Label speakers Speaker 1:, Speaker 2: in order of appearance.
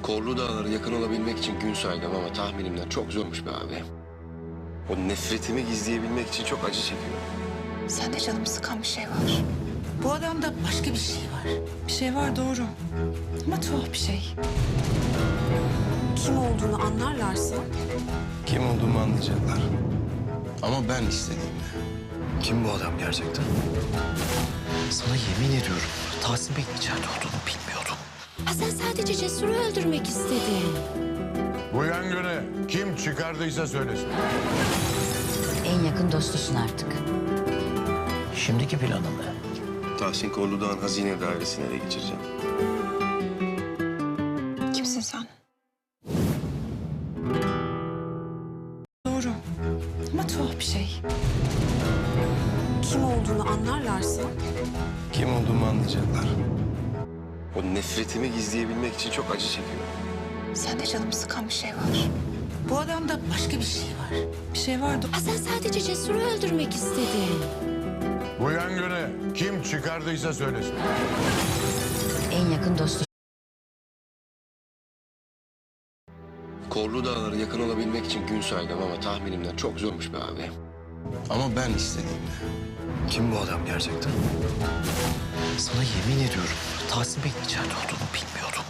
Speaker 1: Korlu Dağlara yakın olabilmek için gün saydım ama tahminimden çok zormuş be abi. O nefretimi gizleyebilmek için çok acı çekiyorum.
Speaker 2: Sende canımı sıkan bir şey var. Bu adamda başka bir şey var. Bir şey var doğru. Ama tuhaf bir şey.
Speaker 3: Kim olduğunu anlarlarsa
Speaker 1: Kim olduğumu anlayacaklar. Ama ben istediğimde. Kim bu adam gerçekten?
Speaker 4: Sana yemin ediyorum Tahsin Bey'in içeride olduğunu bilmiyordum.
Speaker 3: ha sen sadece Cesur'u öldürmek istedin.
Speaker 5: Bu yangını kim çıkardıysa söylesin.
Speaker 6: En yakın dostusun artık.
Speaker 4: Şimdiki planın ne?
Speaker 1: Tahsin Korlu Dağ'ın hazine dairesine ele geçireceğim.
Speaker 2: Kimsin sen? Doğru. Ama tuhaf bir şey.
Speaker 3: Kim olduğunu anlarlarsa
Speaker 1: Kim olduğumu anlayacaklar. O nefretimi gizleyebilmek için çok acı çekiyorum.
Speaker 2: Sende canımı sıkan bir şey var. Bu adamda başka bir şey var. Bir şey var
Speaker 3: ha sen sadece Cesur'u öldürmek istedin.
Speaker 5: Bu yangını kim çıkardıysa söylesin.
Speaker 6: En yakın dostusun.
Speaker 1: Korlu Dağlara yakın olabilmek için gün saydım ama tahminimden çok zormuş be abi. Ama ben istediğimde. Kim bu adam gerçekten?
Speaker 4: Sana yemin ediyorum Tahsin Bey'in içeride olduğunu bilmiyordum.